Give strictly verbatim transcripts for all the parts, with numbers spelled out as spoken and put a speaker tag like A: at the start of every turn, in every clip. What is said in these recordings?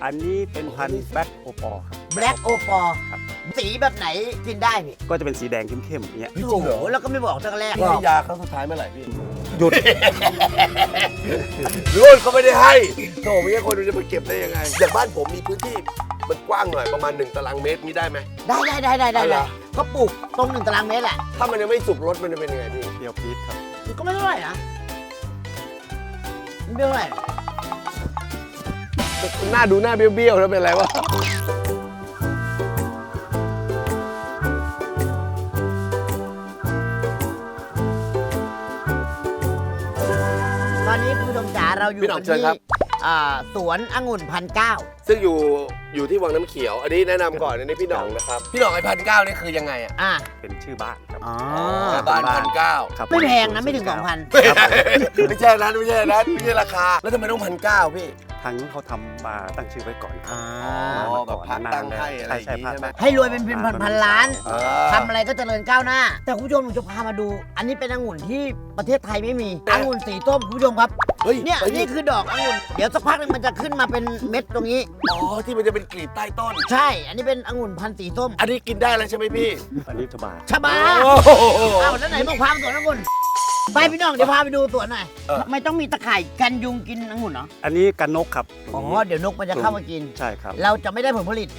A: อันนี้เป็นพันธุ์แบล็กโอปอครับ
B: แบล็กโอปอ
A: ครับ
B: สีแบบไหนกินได้พี่
A: ก็จะเป็นสีแดงเข้มๆอย่างเงี้ย
B: โอ้โหแล้วก็ไม่บอกตั้งแต่แรก
C: พี่ให้ยาครั้งสุดท้ายเมื่อไหร่พี่
A: หยุด
C: รุ่นเขาไม่ได้ให้โถไม่ใช่คนจะมาเก็บได้ยังไงอย่างบ้านผมมีพื้นที่มันกว้างหน่อยประมาณหนึ่งตารางเมตรนี่ได้ไหม
B: ได้ได้ได้ได้ได้
C: อะไร
B: ก็ปลูกตรงหนึ่งตารางเมตรแหละ
C: ถ้ามันยังไม่สุกรสมันจะเป็นยังไงพี่
A: เปรี้ยวปี๊ดครับ
B: มันก็ไม่เท่าไหร่นะไม่เท่าไหร่
C: หน้าดูหน้าเบี้ยวๆแล้วเป็นไรวะ
B: ตอนนี้คุณผู้ชมจ๋าเราอยู่กันที่อ่าสวนองุ่นพันเก้า
C: ซึ่งอยู่อยู่ที่วังน้ำเขียว อันนี้แนะนำก่อนอันนี้พี่หน่องนะครับพี่หน่องไอ้พันเก้านี่คือยังไงอ่ะ
B: อ่า
A: เป็นชื่อบ้านครับ
B: อ๋อ
C: บ้านพันเก้า
A: ครับ
B: ไม่แพงนะไม่ถึงสองพัน
C: ไม่ใช่นั้นไม่ใช่นั้นไม่ใช่ราคาแล้วทำไมต้องพันเก้าพี่
A: ทางนู้นเขาทำมาตั้งชื่อไว้ก่อนครับ
B: อ่า
C: อ๋อแบบพักตั้งให้อะไรอย่างงี้ใช่ไหม
B: ให้รวยเป็นพันพันล้าน
C: เออ
B: ทำอะไรก็เจริญก้าวหน้า แต่คุณผู้ชมผมจะพามาดู อันนี้เป็นองุ่นที่ประเทศไทยไม่มีองุ่นสีส้มคุณผู้ชมครับ
C: เฮ้ย
B: เนี่ย
C: ไปดิ
B: นี่คือดอกองุ่นเดี๋ยวสักพักหนึงมันจะขึ้นมาเป็นเม็ดตรงนี้
C: อ๋อที่มันจะเป็นกลีบใต้ต้น
B: ใช่ อันนี้เป็นองุ่นพันธุ์สีส้ม
C: อันนี้กินได้แล้วใช่ไหมพี่
A: อันนี้ทบา
B: ชะบา
C: โอ้โห
B: อ้าวแล้วไหนบอกพาไปสวนองุ่นไปพี่น้องเดี๋ยวพาไปดูสวนหน่อย
C: เออ
B: ทำไมต้องมีตะข่ายกันยุงกินองุ่นเนาะ
A: อันนี้กันนกครับ
B: อ๋อเดี๋ยวนกมันจะเข้ามากิน
A: ใช่ครับ
B: เราจะไม่ได้ผลผลิต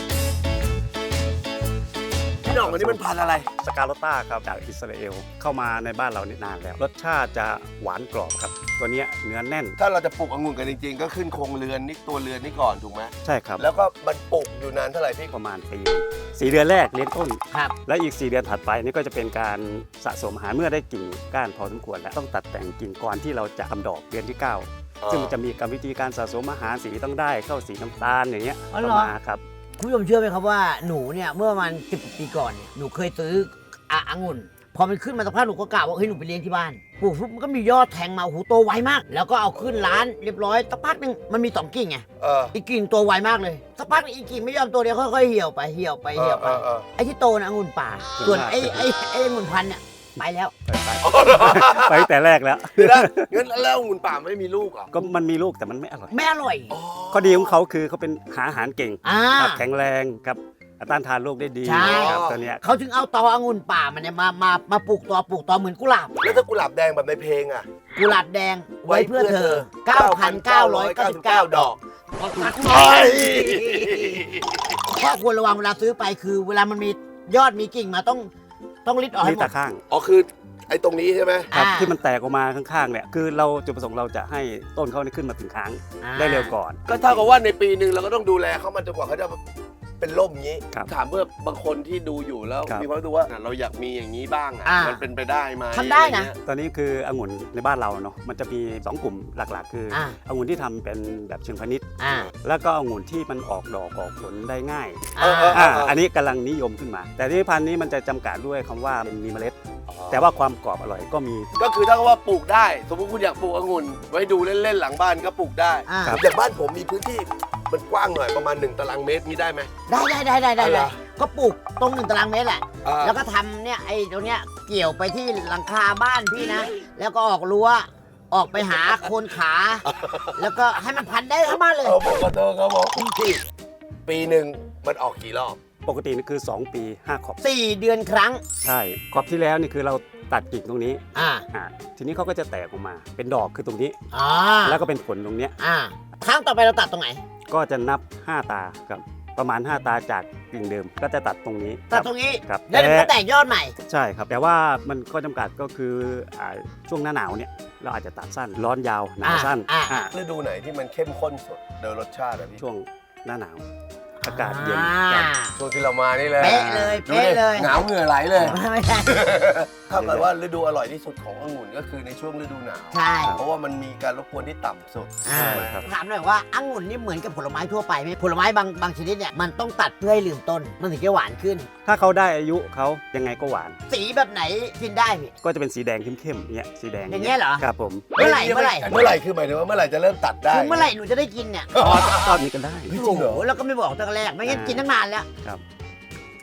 C: พี่หน่องอันนี้มันพันธุ์อะไร
A: สกาโลต้าครับจากอิสราเอลเข้ามาในบ้านเรานี่นานแล้ว รสชาติจะหวานกรอบครับ ตัวเนี้ยเนื้อแน่น
C: ถ้าเราจะปลูกองุ่นกันจริงๆ ก็ขึ้นโครงเรือนนี่ตัวเรือนนี่ก่อนถูกไหม
A: ใช่ครับ
C: แล้วก็มันปลูกอยู่นานเท่าไหร่พี่
A: ประมาณปีสี่เดือนแรกเลี้ยงต้น
B: ครับ
A: และอีกสี่เดือนถัดไปนี่ก็จะเป็นการสะสมอาหารเมื่อได้กิ่งก้านพอสมควรแล้วต้องตัดแต่งกิ่งก่อนที่เราจะทำดอกเดือนที่เก้าซึ่งมันจะมีกรรมวิธีการสะสมอาหารสีต้องได้เข้าสีน้ำตาลอย่างเงี้ย
B: อ๋อเหรอ
A: เข้ามาครับ
B: คุณผู้ชมเชื่อไหมครับว่าหนูเนี่ยเมื่อประมาณสิบปีก่อนเนี่ยหนูเคยซื้ออะองุ่นพอมันขึ้นมาสักพักหนูก็กล่าวว่าเฮ้ยหนูไปเลี้ยงที่บ้านปลูกปุ๊บมันก็มียอดแทงมาโอ้โหโตไวมาก แล้วก็เอาขึ้นร้านเรียบร้อยสักพักหนึงมันมีสองกิ่งไง
C: เออ
B: อีกกิ่งโตไวมากเลยสักพักหนึ่งอีกกิ่งไม่ยอมโตเดียวค่อยๆเหี่ยวไปเหี่ยวไปเหี่ยวไป
C: เออเออ
B: ไอ้ที่โตนะองุ่นป่า ส่วนไอ้ไอ้ไอ้องุ่นพันธุ์เนี่ยไปแล้ว
A: ไปไปตั้งแต่แรกแล้ว
C: เดี๋ยวนะงั้นแล้วองุ่นป่าไม่มีลูกเหรอ
A: ก็มันมีลูกแต่มันไม่อร่อย
B: ไม่อร่อย
C: อ๋อ
A: ข้อดีของเขาคือเขาเป็นหาอาหารเก่ง
B: อ่า
A: ครับแข็งแรงครับต้านทานโรคได้ดี
B: ใช่
A: ครับตัวเนี้ย
B: เขาถึงเอาตอองุ่นป่ามันเนี่ยมามามาปลูกตอปลูกตอเหมือนกุหลาบ
C: แล้วถ้ากุหลาบแดงแบบในเพลงอ่ะ
B: กุหลาบแดงไว้เพื่อเธอ เก้าพันเก้าร้อยเก้าสิบเก้า ดอก
C: เฮ้ย
B: ข้อควรระวังเวลาซื้อไปคือ เวลามันมียอดมีกิ่งมาต้องต้องริดออกให้
A: นี่
B: หม
A: ตา
B: ด
A: ข้าง
C: อ๋อคือไอ้ตรงนี้ใช่ไหม
A: ครับ
B: อ่า
A: ที่มันแตกออกมาข้างๆเนี่ยคือเราจุดประสงค์เราจะให้ต้นเขาเนี่ยขึ้นมาถึงค้าง
B: อ่า
A: ได้เร็วก่อน
C: ก็เท่ากับว่าในปีหนึ่งเราก็ต้องดูแลเขามันจนกว่าเขาจะเป็นร่มอย่างนี้
A: ครับ
C: ถามเพื่อบางคนที่ดูอยู่แล้ว
A: ครับ
C: มีความรู้สึกว่าเราอยากมีอย่างนี้บ้างอ่ะ
B: อ่ามั
C: มันเป็นไปได้ไหม
B: ทำได้นะ
C: อรเงี้ย
A: ตอนนี้คือองุ่นในบ้านเราเนาะมันจะมีสองกลุ่มหลักๆ คือ
B: อ่า
A: องุ่นที่ทำเป็นแบบเชิงพาณิชย์
B: อ่า
A: แล้วก็องุ่นที่มันออกดอกออกผลได้ง่าย
B: อ่า
A: อ่าอันนี้กำลังนิยมขึ้นมา แต่ที่พันธุ์นี้มันจะจำกัดด้วยคำว่าเป็นมีเมล็ด แต่ว่าความกรอบอร่อยก็มี
C: ก็คือถ้าว่าปลูกได้ สมมติคุณอยากปลูกองุ่น ไว้ดูเล่นๆหลังบ้านก็ปลูกได้
B: อ่า
A: ครับ
C: อย่างบ้านผมมีพื้นที่มันกว้างหน่อยประมาณหนึ่งตารางเมตรนี่ได้ไหม
B: ได้ได้ได้ได้ได้
C: อะไร
B: ได้ก็ปลูกตรงหนึ่งตารางเมตรแหละ
C: อ่า
B: แล้วก็ทำเนี่ยไอ้ตรงเนี้ยเกี่ยวไปที่หลังคาบ้านพี่นะ แล้วก็ออกรั้วออกไปหาโคนขา แล้วก็ให้มันพันได้ทั้งบ้านเลย
C: เอาบอกขอโทษครับผมพี่ปีหนึ่งมันออกกี่รอบ
A: ปกตินี่คือ สอง ปีห้าขอบ
B: สี่เดือนครั้ง
A: ใช่ขอบที่แล้วนี่คือเราตัดกิ่งตรงนี้
B: อ่า
A: อ่าทีนี้เขาก็จะแตกออกมา เป็นดอกคือตรงนี้
B: อ่า
A: แล้วก็เป็นผลตรงเนี้ย
B: อ่าครั้งต่อไปเราตัดตรงไหน
A: ก็จะนับห้าตาครับประมาณห้าตาจากกิ่งเดิมก็จะตัดตรงนี้
B: ตัด
A: คบ
B: ตรงนี้
A: ครับ
B: แล้วเดี๋ยวมันก็
A: แต่
B: แตกยอดใหม่
A: ใช่ครับ แต่ว่ามันก็จำกัดก็คืออ่าช่วงหน้าหนาวเนี่ยเราอาจจะตัดสั้นร้อนยาวหนาวสั้น
B: อ่า
A: อ่า
C: ฤดูไหนที่มันเข้มข้นสุดโดยรสชาติอะพี่
A: ช่วงหน้าหนาว อากาศเย็น
B: อ่า
C: ช่วงที่เรามานี่เลย
B: เป๊ะเลย
C: ดู
B: เป๊ะ
C: ดิ
B: เลย
C: หนาวเหงื่อไหลเลย
B: ไม่ใช่
C: ถ้าเกิดว่าฤดูอร่อยที่สุดขององุ่นก็คือในช่วงฤดูหนาว
B: ใช่
C: เพราะว่ามันมีการรบกวนที่ต่ำสุด
B: อ่า
A: ใช่ครับ
B: ถามหน่อยว่าองุ่นนี่เหมือนกับผลไม้ทั่วไปไหมผลไม้บางบางชนิดเนี่ยมันต้องตัดเพื่อให้ลืมต้น มันถึงจะหวานขึ้น
A: ถ้าเขาได้อายุเขายังไงก็หวาน
B: สีแบบไหนกินได้พี่
A: ก็จะเป็นสีแดงเข้มๆเนี่ยสีแดง
B: อย่างเงี้ยเหรอ
A: ครับผม
B: เมื่อไหร่เมื่อไหร่
C: เมื่อไหร่คือหมายถึงว่าเมื่อไหร่จะเริ่มตัดได้
B: คือเมื่อไหร่หนูจะได้กินเนี่ย
A: ตอนตอนนี้ก็ได้
C: จริงเหรอ
B: โอ้โหแล้วก็ไม่บอกตั้งแต่แรกไม่งั้นกินตั้งนานแล้ว
A: ครับ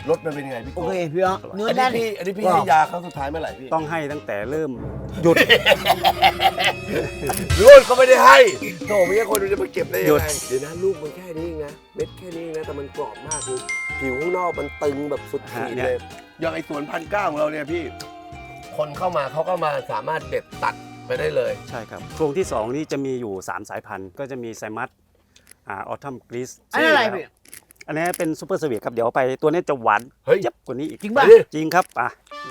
C: รสมันเป็นยังไงพี่
B: โอ
C: โก้
B: เคพี่อ๋อเนื้อ
C: อัน
B: แน่
C: นี้
B: น
C: พี่อันนี้พี่
B: ว้าว
C: ให้ยาครั้งสุดท้ายเมื่อไหร่พี่
A: ต้องให้ตั้งแต่เริ่มหยุด
C: ลูกเขาไม่ได้ให้โถไม่ใช่คนดูจะมาเก็บได้ยัง
A: หยุด
C: ไงเดี๋ยวนะลูกมันแค่นี้เองนะเม็ดแค่นี้เองนะแต่มันกรอบมากคือผิวข้างนอกมันตึงแบบสุดขีดเลยอย่างไอ้สวนพันเก้าของเราเนี่ยพี่ คนเข้ามาเขาก็มาสามารถเด็ดตัดไปได้เลย
A: ใช่ครับช่วงที่สองนี่จะมีอยู่สามสายพันธุ์ก็จะมีไซมัสอ่าออทัมกรีซ
B: อันนี้อะไรพี่
A: อันนี้เป็นซูเปอร์สวีทครับเดี๋ยวไปตัวนี้จะหวาน
C: เฮ้ย
A: เจ็บกว่านี้อีก
B: จริงป่ะ
C: ไปดิ
A: จริงครับอ่ะ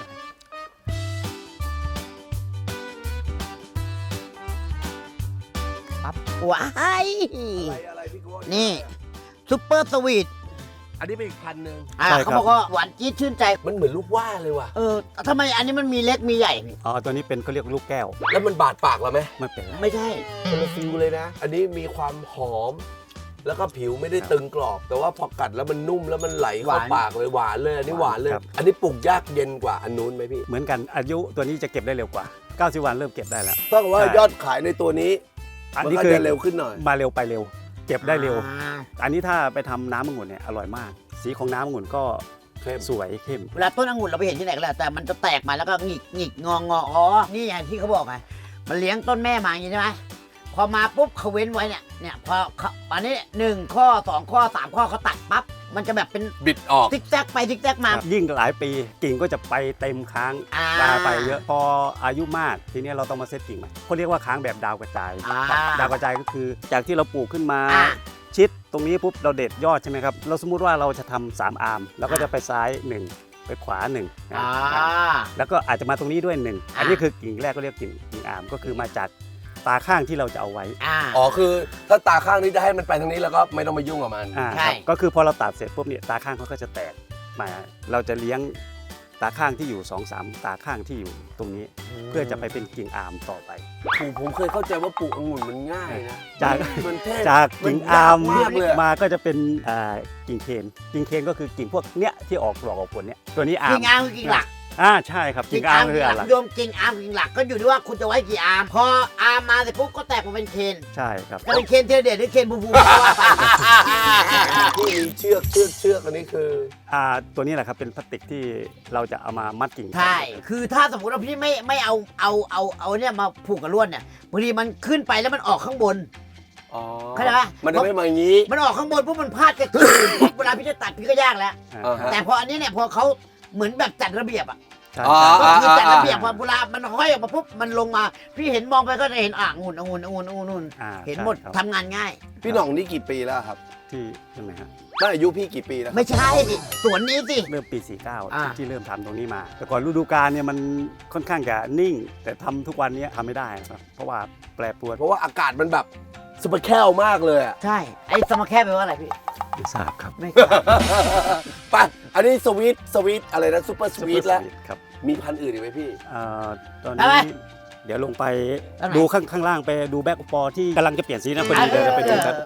B: ปั๊บว้าย
C: อะไรอะไรพี่โก้
B: นี่ซุปเปอร์สวีท
C: อันนี้เป็นอีกพันหนึ่ง
B: อ่าเขาบอกว่าหวานจี๊ดชื่นใจ
C: มันเหมือนลูกว่าเลยว่ะ
B: เออทำไมอันนี้มันมีเล็กมีใหญ่พี่
A: อ๋อตัวนี้เป็นเขาเรียกลูกแก้ว
C: แล้วมันบาดปากเราไหม
A: ไม่เป็นไร
B: ไม่ใช่
C: คนละฟิลเลยนะ อันนี้มีความหอม แล้วก็ผิวไม่ได้ตึงกรอบ แต่ว่าพอกัดแล้วมันนุ่มแล้วมันไหลเข้าปากเลยหวานเลย อันนี้หวานเลย อันนี้ปลูกยากเย็นกว่าอันนู้นไหมพี่
A: เหมือนกันอายุตัวนี้จะเก็บได้เร็วกว่าเก้าสิบวันเริ่มเก็บได้แล้ว
C: ต้องว่า
A: ใช่
C: ยอดขายในตัวนี้
A: อัน
C: มัน
A: นี้
C: ก็
A: คือ
C: จะเร็วขึ้นหน่อย
A: มาเร็วไปเร็ว เก็บได้เร็ว
B: อ่า
A: อันนี้ถ้าไปทำน้ำองุ่นเนี่ยอร่อยมาก สีของน้ำองุ่นก็
C: เข้ม
A: สวยเข้ม
B: เวลาต้นองุ่นเราไปเห็นที่ไหนก็แล้วแต่มันจะแตกมาแล้วก็หงิกหงิกงองออ๋อนี่ไงที่เขาบอกไงมันเลี้ยงต้นแม่มาอย่างนี้ใช่ไหมพอมาปุ๊บเขาเว้นไว้เนี่ยเนี่ยพอเขาอันนี้หนึ่งข้อสองข้อสามข้อเขาตัดปั๊บมันจะแบบเป็น
C: บิดออก
B: ซิกแซกไปซิกแซกมา
A: ยิ่งหลายปีกิ่งก็จะไปเต็มค้าง
B: อ่า
A: ปลาไปเยอะพออายุมากทีนี้เราต้องมาเซตกิ่งใหม่เขาเรียกว่าค้างแบบดาวกระจาย
B: อ่า
A: ดาวกระจายก็คือ จากที่เราปลูกขึ้นมา
B: อ่า
A: ชิดตรงนี้ปุ๊บเราเด็ดยอดใช่ไหมครับเราสมมุติว่าเราจะทำสามอาร์มแล้วก็จะไปซ้ายหนึ่งไปขวาหนึ่ง
B: อ่า
A: แล้วก็อาจจะมาตรงนี้ด้วยหนึ่ง
B: อ่า
A: อันนี้คือกิ่งแรกก็เรียกกิ่งกิ่งอาร์มก็คือมาจากตาข้างที่เราจะเอาไว้
B: อ่า
C: อ๋อคือถ้าตาข้างนี้จะให้มันไปทางนี้แล้วก็ไม่ต้องมายุ่งกับมัน
A: อ่า
B: ใช่
A: ครับก็คือพอเราตัดเสร็จปุ๊บเนี่ยตาข้างเขาก็จะแตกมาเราจะเลี้ยงตาข้างที่อยู่สองสามตาข้างที่อยู่ตรงนี้ เพื่อจะไปเป็นกิ่งอาร์มต่อไป
C: ปลูกผมเคยเข้าใจว่าปลูกองุ่นมันง่ายนะ
A: จาก
C: มันเท่
A: จากกิ่งอาร์ม
C: นยกมากเลยอะ
A: มาก็จะเป็นอ่ากิ่งเคนกิ่งเคนก็คือกิ่งพวกเนี้ยที่ออกดอกออกผลเนี้ยตัวนี้อาร์
B: กิ่
A: ม
B: งอาร์มคือกิ่งหลัก
A: อ่าใช่ครับ
B: กิ่
A: กิ่
B: ง
A: ง
B: อา
A: อา
B: ร์
A: ร์
B: ม
A: ม
B: คื
A: คือ อ
B: ห
A: อะ
B: ลัก
A: ไร
B: โยมกิ่งอาร์มกิ่งหลักก็อยู่ที่ว่าคุณจะไว้กี่อาร์มพออาร์มมาเสร็จปุ๊บก็แตกมาเป็นเคน
A: ใช่ครับ
B: จะเป็นเคนเทเดตหรือเคนบูบูก็ว่าไป
C: ที่มีเชือกเชือกเชือกอันนี้คือ
A: อ่าตัวนี้แหละครับเป็นพลาสติกที่เราจะเอามามัดกิ่ง
B: ใช่คือถ้าสมมติว่าพี่ไม่ไม่เอาเอาเอาเอาเนี่ยมาผูกกับลวดเนี่ยบางทีมันขึ้นไปแล้วมันออกข้างบน
C: อ๋อ
B: เข้าใจปะ
C: มันจะไม่มาอย่างนี้
B: มันออกข้างบนปุ๊บมันพลาดกันเวลาพี่จะตัดพี่ก็ยากแล้ว
A: อ่า
C: อ่าฮะ
B: แต่พออันนี้เนี่ยพอเขาเหมือนแบบจัดระเบียบอ่ะ
A: ใช่
C: อ๋อ
A: ใช่
B: ก็คือจัดระเบียบพอเวลามันห้อยออกมาปุ๊บมันลงมา พี่เห็นมองไปก็จะเห็นอ่างุ่นองุ่นองุ่นองุ่นองุ่น
A: อ่า
B: เห็นหมด
A: ใช่ครับ
B: ทำงานง่าย
C: พี่หน่องนี่กี่ปีแล้วครับ
A: ที่ใช่ไหมฮะ
C: น่าอายุพี่กี่ปีแล้วครับ
B: ไม่ใช่สวนนี้สิ
A: เริ่มปี สี่สิบเก้า
B: อ่า
A: ที่เริ่มทำตรงนี้มา แต่ก่อนฤดูกาลเนี่ยมันค่อนข้างจะนิ่ง แต่ทำทุกวันเนี้ทำไม่ได้นะครับเพราะว่าแปรปรวน
C: เพราะว่าอากาศมันแบบสเปรแคลมากเลยอะ
B: ใช่ไอ้สมาแคบแปลว่าอะไรพี่
A: ไม่ทราบครับ
B: ไม่ทราบ
C: ไปอันนี้สวีทสวีทอะไรนะซูเปอร์สวีทแล้ว
A: ครับ
C: มีพันธุ์อื่นอีกไหมพี่
A: เอ่อตอน
B: อะไร
A: นี้เดี๋ยวลงไป
B: อะไร
A: ดูข้างข้างล่างไปดูแบ็กปอที่กำลังจะเปลี่ยนสีนะพอดี
B: เออ
A: เดี๋ยวเราไปดูครับ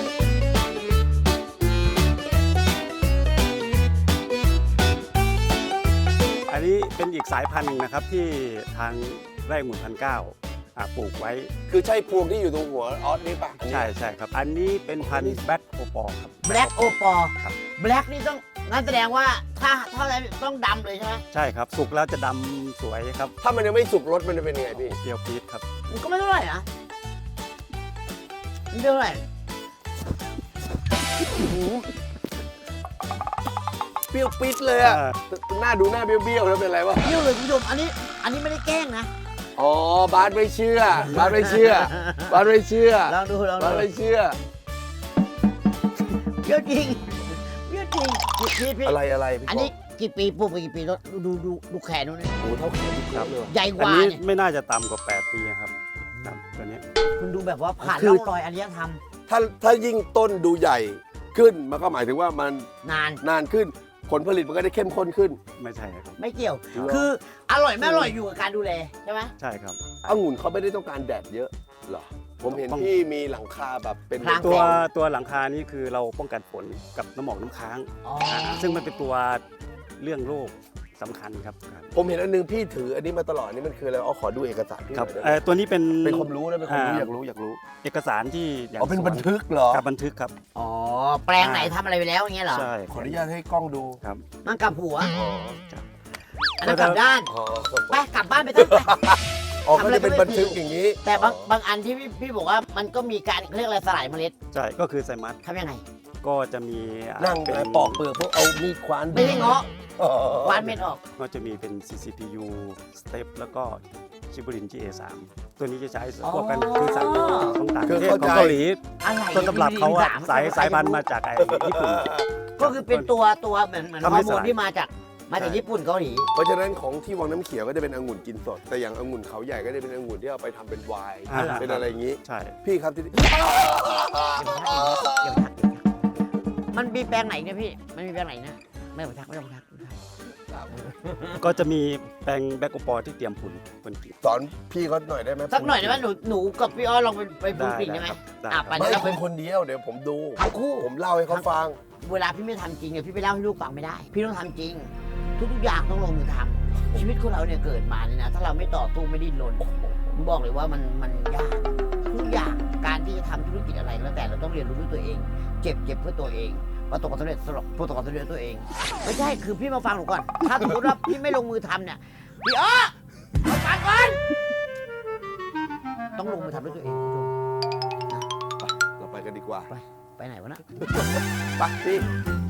A: อันนี้เป็นอีกสายพันธุ์หนึ่งนะครับที่ทางไร่องุ่นพันเก้าอ่าปลูกไว้
C: คือใช่พวงที่อยู่ตรงหัวออสนี่ปะอันนี้
A: ใช่ใช่ครับ อันนี้เป็นพันธุ์แบ็คโอปอครับ
B: แบล็กโอปอ
A: ครับ
B: แบล็กนี่ต้องงั้นแสดงว่าถ้าถ้าอะไรต้องดำเลยใช่ไหม
A: ใช่ครับ สุกแล้วจะดำสวยครับ
C: ถ้ามันยังไม่สุกรสมันจะเป็นยังไงพี่
A: เปรี้ยวปี๊ดครับ
B: มันก็ไม่เท่าไหร่นะมันไม่เท่าไหร่โอ้โห
C: เปรี้ยวปิดเลยอะหน้าดูหน้าเบี้ยวๆแล้วเป็นไรวะ
B: เยี่ยวเลยคุณผู้ชมอันนี้อันนี้ไม่ได้แกล้งนะ
C: อ๋อบาสไม่เชื่อบาสไม่เชื่อบาสไม่เชื่อ
B: ลองดูลอง
C: บาส
B: ดู
C: ไม่เชื่อ
B: เยี่ยวจริงเยี่ยวจริงพี่พี่
C: อะไรอะไรพี่
B: อันนี้กี่ปีปลูกไปกี่ปีแล้วดูดูดูดูแขนนู่นนี่
C: โอ้โหเท่าแขนพี่ครับเลยว่ะ
B: ใหญ่ก
A: อัน
B: ว่า
A: นี้
B: เนี่ย
A: ไม่น่าจะต่ำกว่าแปดปีครับครับตัวนี้
B: คุณดูแบบว่าผ่าน
C: คือ
B: ร่องรอยอารยธรรม
C: ถ้าถ้ายิ่งต้นดูใหญ่ขึ้นมันก็หมายถึงว่ามัน
B: นาน
C: นานขึ้นผลผลิตมันก็ได้เข้มข้นขึ้น
A: ไม่ใช่ครับ
B: ไม่เกี่ยว
C: เหรอ
B: คืออร่อยไม่อร่อยอยู่กับการดูแลใช่ไหม
A: ใช่ครับ
C: องุ่นเขาไม่ได้ต้องการแดดเยอะเหรอผมเห็น
A: ต้อง
C: พี่มีหลังคาแบบเป็น
B: พราง
A: ตัว
B: แสง
A: ตัวหลังคานี้คือเราป้องกันฝนกับน้ำหมอกน้ำค้าง
B: อ๋อ
A: ซึ่งมันเป็นตัวเรื่องโรคสำคัญครับครับ
C: ผมเห็นอันนึงพี่ถืออันนี้มาตลอดนี่มันคืออะไรอ๋อขอดูเอกสารพี่ห
A: ครั
C: น่
A: บ
C: อยได้ไหม
A: เอ่อตัวนี้เป็น
C: เป็นความรู้นะเป็นความรู้
A: อ่า
C: อยากรู้อยากรู้
A: เอกสารที่อย่าง
C: อ๋อเป็น
A: สว
C: บันทึกเหรอ
A: ครับบันทึกครับ
B: อ๋อ แปลงไหนทำอะไรไปแล้วอย่างเงี้ยเหรอ
A: ใช่
C: ขออนุญาตให้กล้องดู
A: ครับ
B: มันกลับหัว
C: อ๋อ
B: อันนั้นกลับด้าน
C: อ๋อ
B: ไปกลับบ้านไปตั้งไป
C: อ๋อก็จะเป็นบันทึกอย่างนี้
B: แต่บางบางอันที่พี่พี่บอกว่ามันก็มีการเรียกอะไรสลายเมล็ด
A: ใช่ก็คือไซมัส
B: ทำยังไง
A: ก็จะมีอ่า
C: นั่ง
A: เป็น
C: ปอกเปลือกพวกเอามีดควาน
B: ไม่ได้เงาะ
C: อ๋อ
B: วานเม็ดออก
A: ก็จะมีเป็น ซี ซี พี ยู Step แล้วก็ชิบูริน จี เอ สาม ตัวนี้จะใช้ควบกันคือสั่งของต่างประเทศของเกาหลี
B: อะไร
A: ต้นตำรับเขาอะ
B: ที่มี
A: สาย
B: สาม
A: สายพันธุ์มาจากไอ้ญี่ปุ่น
B: ก็คือเป็นตัวตัวเหมือนเหมือนฮ
A: ทำ
B: อ
A: ให้
B: ร์โม
A: ส
B: น
A: ลาย
B: ที่มาจากมาจากญี่ปุ่นเกาหลี
C: เพราะฉะนั้นของที่วังน้ำเขียวก็จะเป็นองุ่นกินสด แต่อย่างองุ่นเขาใหญ่ก็จะเป็นองุ่นที่เอาไปทำเป็นไวน์
A: อ่า
C: เป็นอะไรอย่างนี้
A: ใช่
C: พี่ครับที่
B: มันมีแปลงไหนเนี่ยพี่ มันมีแปลงไหนนะ ไม่ต้องทักไม่ต้องทัก
A: ก็จะมีแปลงแบล็กโอปอร์ที่เตรียมผุนบนกิ่ง
C: สอนพี่เขาหน่อยได้ไหม
B: สักหน่อยได้ไหมหนูหนูกับพี่อ้อลองไปไปปลูกกิ่งได้ไหม
A: ครับได้
B: อ่ะ
A: ค
B: ไป
A: รับ
C: ไม่
B: แล้ว
C: เป็นคนเดียวเดี๋ยวผมดู
B: ทั้งคู่
C: ผมเล่าให้เขาฟัง
B: เวลาพี่ไม่ทำจริงเนี่ยพี่ไปเล่าให้ลูกฟังไม่ได้ พี่ต้องทำจริง ทุกๆอย่างต้องลงมือทำชีวิตของเราเนี่ยเกิดมาเนี่ยนะถ้าเราไม่ต่อสู้ไม่ดิ้นรนผมบอกเลยว่ามันมันยากทุกอย่างการที่จะทำธุรกิจอะไรก็แล้วแต่เราต้องเรียนรู้ด้วยตัวเอง เจ็บเจ็บเพื่อตัวเองประสบความสำเร็จสำหรับประสบความสำเร็จด้วยตัวเอง ไม่ใช่คือพี่มาฟังหนูก่อน ถ้าสมมติว่าพี่ไม่ลงมือทำเนี่ยพี่อ้อมาฟังก่อนต้องลงมือทำด้วยตัวเองคุณผู้ชม
C: เราไปกันดีกว่า
B: ไปไหนวะนะ
C: ไปพี่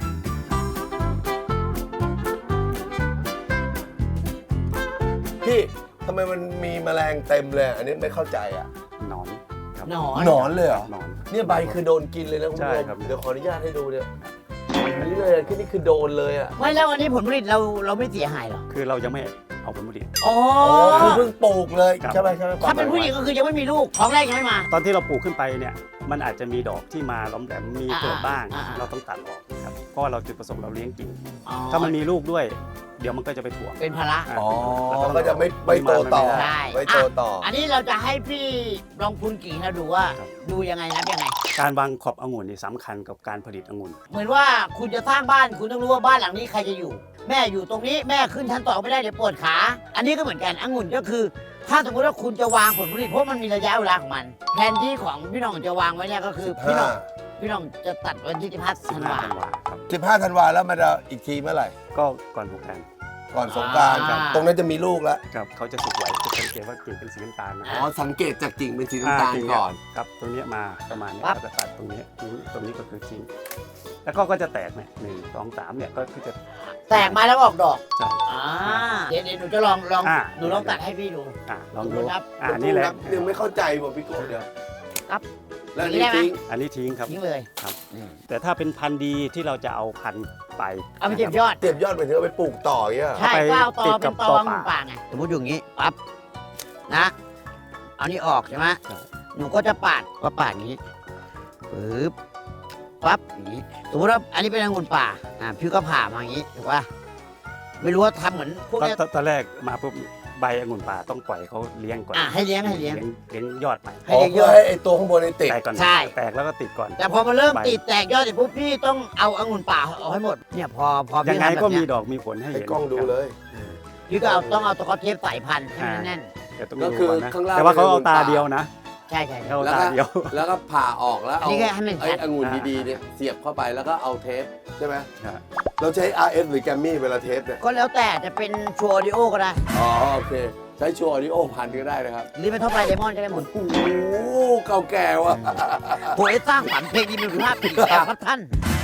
C: พี่ทำไมมันมีแมลงเต็มเลย อันนี้ไม่เข้าใจอ่ะ
A: หนอนครับ
B: หนอน
C: หนอนเลยเหรอ
A: หนอน
C: เนี่ยใบคือโดนกินเลยนะคุณผู้
A: ใช่
C: ชม
A: ครับ
C: เดี๋ยวขออนุญาตให้ดูเนี่ยอันนี้เลยแค่นี้คือโดนเลยอ่ะ
B: ไม่แล้วอันนี้ผลผลิตเราเราไม่เสียหายหรอ
A: คือเรายังไม่เอาผลผลิต
B: อ๋อ
C: อ๋อคือเพิ่งปลูกเลย
A: ครับ
C: ใช่ไหมใช่ไหม
B: ถ้าเป็นผู้หญิงก็คือยังไม่มีลูกท้องแรกยังไม่มา
A: ตอนที่เราปลูกขึ้นไปเนี่ยมันอาจจะมีดอกที่มาล้อมแหลมมี
B: อ่า
A: เกิดบ้าง
B: อ่าอ่า
A: เราต้องตัดออกครับเพราะว่าเราจุดประสงค์เราเลี้ยงกิ่ง
B: อ๋อ
A: ถ้ามันมีลูกด้วย เดี๋ยวมันก็จะไปถ่วง
B: เป็นภาระ
A: อ่า
C: อ๋อ
A: แล้ว
C: ก็จะไม่ไม่โตต่อ
A: ไม่ได้
B: ได้
C: ไม่โตต่อ
B: อันนี้เราจะให้พี่ลองคุณกิ่งเราดูว่า
A: ครับ
B: ดูยังไงนับยังไง
A: การวางขอบองุ่นนี่สำคัญกับการผลิตองุ่น
B: เหมือนว่าคุณจะสร้างบ้านคุณต้องรู้ว่าบ้านหลังนี้ใครจะอยู่ แม่อยู่ตรงนี้แม่ขึ้นชั้นสองไม่ได้เดี๋ยวปวดขา อันนี้ก็เหมือนกันองุ่นก็คือ ถ้าสมมติว่าคุณจะวางผลผลิตเพราะมันมีระยะเวลาของมันแผนที่ของพี่น้องจะวางไว้เนี่ยก็คือพี่น้องพี่น้องจะตัดวันที่สิบห้าธันวา
A: ธันวาครับ
C: สิบห้าธันวาแล้วมันจะอีกทีเมื่อไหร่
A: ก็ก่อนสงกรานต์
C: ก่อนสงกราร
B: อ่า
C: ตรงนั้นจะมีลูกแล้ว
A: ครับเขาจะสุกไหวจะสังเกตว่ากิ่งเป็นสีน้ำตาลนะ
C: อ๋อ สังเกตจากกิ่งเป็นสีน้ำตาล
A: กิ่ง
C: ก่อน
A: ครับตรงเนี้ยมาประมาณเนี้ย
B: ปั๊บ
A: เราจะตัดตรงนี้ทิ้งตรงนี้ก็คือทิ้งแล้วก็ก็จะแตกเนี่ยหนึ่งสองสามเนี่ยก็คือจะ
B: แตกมาแล้วออกดอก
A: ใช่
B: อ่าเดี๋ยวเดี๋ยวหนูจะลองลอง
A: อ่า
B: หนูลองตัดให้พี่ดู
A: อ่ะลองดู
B: ครับ
A: อ่านี่แหละ
C: ยังไม่เข้าใจบอกพี่โก้เดี๋ยว
B: ครับ
C: แล้ว
B: อย่างนี้
C: นี่
B: ได้ไหม
C: ทิ้ง
A: อันนี้ทิ้งครับ
B: ทิ้งเลย
A: ครับ
B: อืม
A: แต่ถ้าเป็นพันธุ์ดีที่เราจะเอาพันธุ์ไป
B: เอาไปเก็บยอด
C: เก็บยอดไปถึงเอาไปปลูกต่ออย่างเงี้ย
B: ใช่
A: เอาไป
B: ก็เอาตอ
A: ติด
B: เป็
A: กับ
B: นต
A: ต
B: อ
A: อ
B: งู
A: ป่า
B: ป่าไงสมมติอยู่อย่างนี้ปั๊บนะ เอานี่ออกใช่ไหม
A: ใช่
B: หนูก็จะปาดก็ปาดอย่างนี้ปึ๊บปั๊บอย่างนี้สมมติว่าอันนี้เป็นองุ่นป่าอ่าพี่ก็ผ่ามาอย่างนี้ถูกป่ะไม่รู้ว่าทำเหมือนพวก
A: ตอน
B: เนี้ย
A: ตอนตอนแรกมาปุ๊บใบองุ่นป่าต้องปล่อยเขาเลี้ยงก่อน
B: อ่ะให้เลี้ยงให้เลี้ยง
A: เลี้ยงยอดใหม่
B: ให้
C: อ๋อ
B: เลี้ยงย
C: เพื่อ
B: อด
C: ให้ไอ้ตัวข้างบนนี่ติด
A: แตกก่อน
B: ใช่
A: แตกแล้วก็ติดก่อน
B: แต่พอมาเริ่ม
A: ใบ
B: ติดแตกยอดเสร็จปุ๊บพี่ต้องเอาองุ่นป่าออกให้หมดเนี่ยพอพอ
A: ยั
B: พี่
A: งไง
B: ทำแบบ
A: ก็มี
B: เนี้ย
A: ดอกมีผลให้
C: ให้
A: เห็น
C: กล้องดู
A: ครับ
C: เลย
B: พี่ก็เอาต้องเอาตะกอเทปสายพันธุ์ให้มันแน่น
A: เดี๋ยวต้อง
C: ก็
A: ดู
C: คือ
A: ก่อนนะ
C: ข้างล่าง
A: แต่ว่าเขาเอาตา
C: เป็นองุ่นป่า
A: เดียวนะ
B: ใช่ใช่ใช่
A: เขาเอา
C: แล้ว
A: ตา
C: ก็
A: เดียว
C: แล้วก็ผ่าออกแล้ว
B: อัน
C: เอา
B: นี้แค่ให้มัน
C: ไอ้
B: ชัด
C: องุ่น
A: อ่า
C: ดีๆเนี่ยเสียบเข้าไปแล้วก็เอาเทปใช่ไหม
A: ครับ
C: เราใช้ อาร์ เอส หรือแกมมี่เวลาเทปเนี่ย
B: ก็แล้วแต่จะเป็นชัวร์ดิโอก็ได้
C: อ๋อโอเค ใช้ชัวร์ออดิโอพันก็ได้นะครับ
B: หรือเป็นท็อปไลน์ไดมอนด์ก็ได้หมด
C: โอ้โหเก่าแก่ว่ะ
B: โหยสร้างฝันเพลงดีมีคุณภาพปีแก่ครับท่าน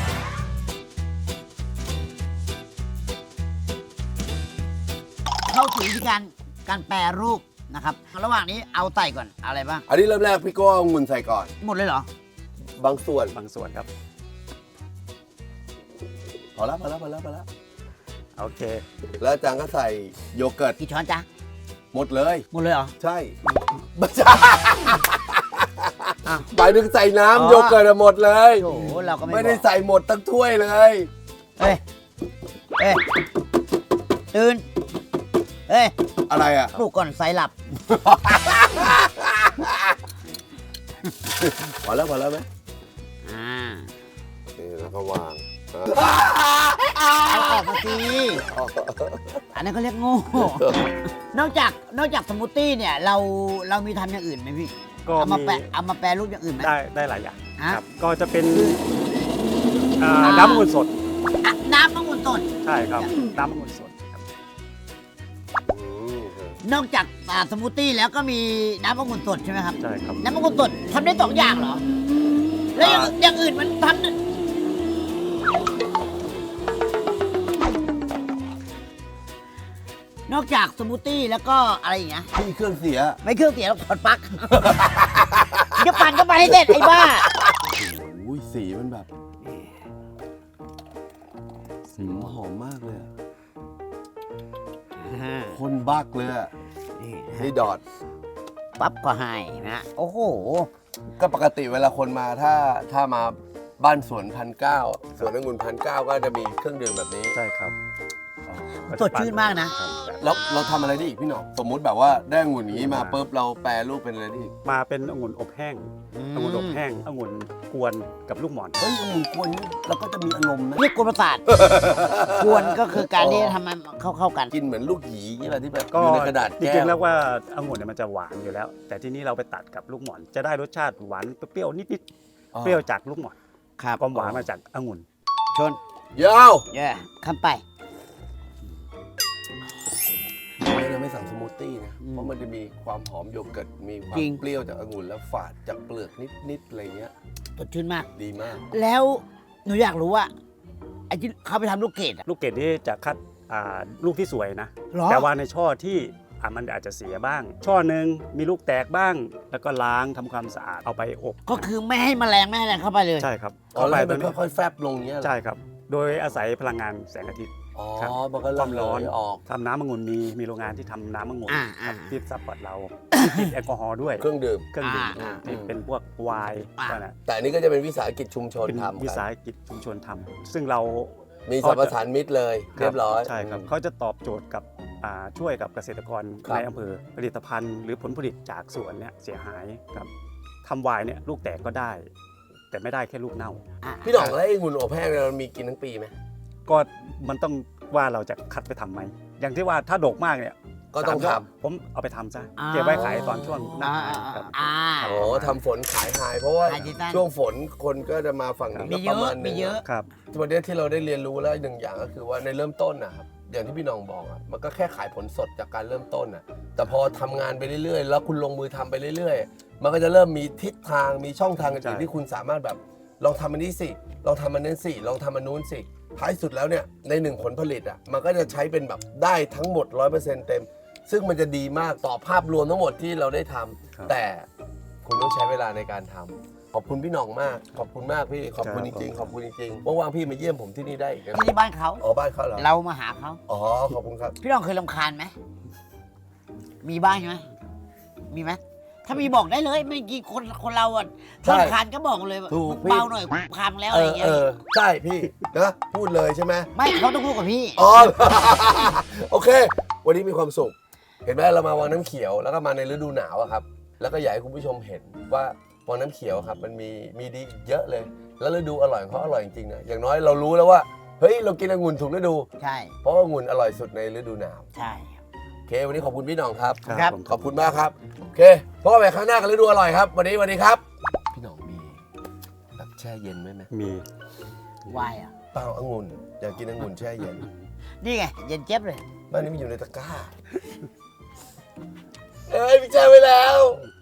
B: เข้าถึงวิธีการการแปรรูปนะครับ ระหว่างนี้เอาไต่ก่อนเอาอะไรบ้าง
C: อันนี้เริ่มแรกพี่โก้เอาองุ่นใส่ก่อน
B: หมดเลยเหรอ
C: บางส่วน
A: บางส่วนครับ
C: พอแล้วพอแล้วพอแล้วพอแล้ว
A: โอเค
C: แล้วอาจารย์ก็ใส่โยเกิร์ต
B: กี่ช้อนจ๊ะ
C: หมดเลย
B: หมดเลยเหรอ
C: ใช่ไม่ใช่
B: อ้าว
C: หมายถึงใส่
B: อ๋อ
C: น้ำโยเกิร์ตอะหมดเลย
B: โอ้โหเราก็ไม่
C: ไม่ได้
B: บอก
C: ใส่หมดทั้งถ้วยเลย
B: เฮ้ย เฮ้ย ตื่น เฮ้ย
C: อะไรอ่ะ
B: ปลุกก่อนไซหลับ
C: พอแล้วพอแล้วไหม
B: อ่า
C: นี่แล้วก็วาง
B: เอาออกมาสิอันนั้นเขาเรียกโง่ นอกจากนอกจากสมูทตี้เนี่ยเราเรามีทำอย่างอื่นไหมพี่
A: ก็
B: เอามา
A: มี
B: แปะเอามาแปรรูปอย่างอื่นไหม
A: ได้ได้หลายอย่าง
B: ฮะ
A: ครับก็จะเป็นอ่าน้ำองุ่นสด
B: อ่ะน้ำมะม่วงสด
A: ใช่ครับน้ำองุ่นสดครับ
C: อืม
B: นอกจากอ่าสมูทตี้แล้วก็มีน้ำมะม่วงสดใช่ไหมครับ
A: ใช่ครับ
B: น้ำมะม่วงสดทำได้สองอย่างเหรอ แล้วอย่างอย่างอื่นมันทำได้นอกจากสมูทตี้แล้วก็อะไรอย่างเงี้ย
C: พี่เครื่องเสีย
B: ไม่เครื่องเสียแล้วถอดปลั๊ก จะปั่นก็ไปให้เสร็จไอ้บ้า
C: โอ้ยสีมันแบบสีมันหอมมากเลยอะคนบักเลยอะนี่ดอด
B: ปั๊บก็ให้นะโอ้โห
C: ก็ปกติเวลาคนมาถ้าถ้ามาบ้านสวนพันเก้าสวนองุ่นพันเก้าก็จะมีเครื่องดื่มแบบนี้
A: ใช่ครับ
B: สดชื่นมากนะ
A: ครับ
C: แล้วเราทำอะไรได้อีกพี่หนอมสมมุติแบบว่าได้องุ่นอย่างนี้มาปุ๊บเราแปรรูปเป็นอะไรได้อีก
A: มาเป็นองุ่นอบแห้ง
B: อืม
A: องุ่นอบแห้งองุ่นกวนกับลูกหมอน
C: เฮ้ยองุ่นกวนนี่เราก็จะมีอารมณ์นะ
B: เรียกกวนประสาท กวนก็คือการที่ทำให้เข้าเข้ากัน
C: กินเหมือนลูกหยีนี่แหละที่แบบ
A: ก็
C: อยู่ในกระดาษ
A: จ
C: แก้
A: ริงๆ
C: ว
A: แล้วว่าองุ่นเนี่ยมันจะหวานอยู่แล้ว แต่ที่นี้เราไปตัดกับลูกหมอน จะได้รสชาติหวานเปรี้ยวนิดๆเปรี้ยวจากลูกหมอน
B: ครับ
A: ความหวานมาจากองุ่น
B: ชน
C: ยาว
B: เย่คำไป
C: เราไม่สั่งสมูทตี้นะ
B: อืม
C: เพราะมันจะมีความหอมโยเกิร์ตมีความ
B: จริง
C: เปรี้ยวจากองุ่นแล้วฝาดจากเปลือกนิดๆอะไรเงี้ย
B: สดชื่นมาก
C: ดีมาก
B: แล้วหนูอยากรู้ว่าไอ้ที่เขาไปทำลูกเกดอะ
A: ลูกเกดนี่จะคัดอ่าลูกที่สวยนะ
B: หรอ
A: แต่ว่าในช่อที่อ่ะมันอาจจะเสียบ้าง ช่อหนึ่งมีลูกแตกบ้าง แล้วก็ล้างทำความสะอาดเอาไปอบ
B: ก็คือไม่ให้แมลงไม่ให้อะไรเข้าไปเลย
A: ใช่ครับ
C: อ๋อแล้วให้มัน
A: เข้าไป
C: ค่อยๆแฟบลงเงี้ยเหรอ
A: ใช่ครับ โดยอาศัยพลังงานแสงอาทิตย์
C: อ๋อ
A: ครับ
C: มันก็
A: ความร้อน
C: ระเหยออก
A: ทำน้ำองุ่นมีมีโรงงานที่ทำน้ำองุ่น
B: อ่า
A: ครั
B: อ่า
A: บที่ซัพพอร์ตเราติดแอลกอฮอล์ด้วย
C: เครื่องดื่ม
A: เครื่องดื่ม
B: อ่า
A: ที่เป็นพวกไวน์
B: อ่า
A: ก็นะ
C: แต่อันนี้ก็จะเป็นวิสาหกิจชุมชน
A: เป็น
C: ทำ
A: วิ
C: กัน
A: สาหกิจชุมชนทำซึ่งเรา
C: มีสรรพสานมิตรเลย เรียบร้อย
A: ใช่ครับเขาจะตอบโจทย์กับอ่าช่วยกับเกษตรกร
C: ครับ
A: ในอำเภอผลิตภัณฑ์ หรือผลผลิตจากสวนเนี่ยเสียหายครับทำไวน์เนี่ยลูกแตกก็ได้ แต่ไม่ได้แค่ลูกเน่า
B: อ่ะ
C: พี่หน่องแล้วไอ้องุ่นอบแห้งเนี่ยเรามีกินทั้งปีไหม
A: ก็มันต้องว่าเราจะคัดไปทำไหมอย่างที่ว่าถ้าดกมากเนี่ย
C: ก็ต้อง
A: สามย
C: ท
A: ดผมเอาไปทำซะ
B: อ่า
A: เก็บไว้ขายตอนช่วงหน้า
B: อ่า
A: หนาวครับ
B: อ่า
C: ำโอ้ทำฝนขายหายเพราะว่า
B: ขายที่ตั้น
C: ช่วงฝนคนก็จะมาฝั่งนี้
B: มี
C: ก็
B: เย
C: ประ
B: อะ
C: มาณหนึ
B: มี
C: ง
B: เยอะ
A: ครับ
C: วันนี้ที่เราได้เรียนรู้แล้วหนึ่งอย่างก็คือว่าในเริ่มต้นนะครับอย่างที่พี่หน้องบอกอ่ะมันก็แค่ขายผลสดจากการเริ่มต้นอ่ะแต่พอทำงานไปเรื่อยๆ แล้วคุณลงมือทำไปเรื่อยๆ มันก็จะเริ่มมีทิศทางมีช่องทางอื่น
A: ใช่
C: ๆที่คุณสามารถแบบลองทำอันนี้สิลองทำอันนั้นสิลองทำอันนู้นสิท้ายสุดแล้วเนี่ยในหนึ่งผลผลิตอ่ะมันก็จะใช้เป็นแบบได้ทั้งหมด ร้อยเปอร์เซ็นต์ เต็ม ซึ่งมันจะดีมากต่อภาพรวมทั้งหมดที่เราได้ทำ
A: ครับ
C: แต่คุณต้องใช้เวลาในการทำขอบคุณพี่หน่องมาก ขอบคุณมากพี่ขอบคุณ
A: ค
C: จ
A: รับ
C: ริงๆขอบคุณจริงๆว่างๆพี่มาเยี่ยมผมที่นี่ได้อีกนะ
B: ที่บ้านเขา
C: อ๋อบ้านเขาเหรอ
B: เรามาหาเขา
C: อ๋อขอบคุณครับ
B: พี่น้องเคยรำคาญไหม มีบ้างใช่ไหม มีไหม ถ้ามีบอกได้เลยไม่กี่คนคนเราอ่ะ
C: ใช่
B: รำคาญก็บอกเลย
C: ถูกพี่
B: เบาหน่อยพังแล้ว
C: เอ
B: อะไร
C: อ
B: เงี้
C: เอย อใช่พี่นะพูดเลยใช่ไหม
B: ไม่เขาต้องพูดกับพี่
C: อ๋อ โอเค วันนี้มีความสุข เห็นไหมเรามาวังน้ำเขียวแล้วก็มาในฤดูหนาวอะครับ แล้วก็อยากให้คุณผู้ชมเห็นว่าวังน้ำเขียวครับมันมีมีดีเยอะเลย แล้วฤดูอร่อยของเขาอร่อยจริงๆนะอย่างน้อยเรารู้แล้วว่าเฮ้ยเรากินองุ่นถูกฤดู
B: ใช่
C: เพราะว่าองุ่นอร่อยสุดในฤดูหนาว
B: ใช่
C: โอเค วันนี้ขอบคุณพี่หน่องครับ
B: ครับ
A: ผม
C: ขอบคุณมากครับ โอเคพบกันใหม่ครั้งหน้ากับฤดูอร่อยครับ วันนี้วันนี้ครับ พี่หน่องมีแบบแช่เย็นไหมไหม
A: มี
B: วายอ่ะ
C: เปล่าองุ่นอยากกินองุ่นแช่เย็น
B: นี่ไง เย็นเจี๊ยบเลย
C: บ้านนี้มันอยู่ในตะกร้า เอ้ยพี่แช่ไว้แล้ว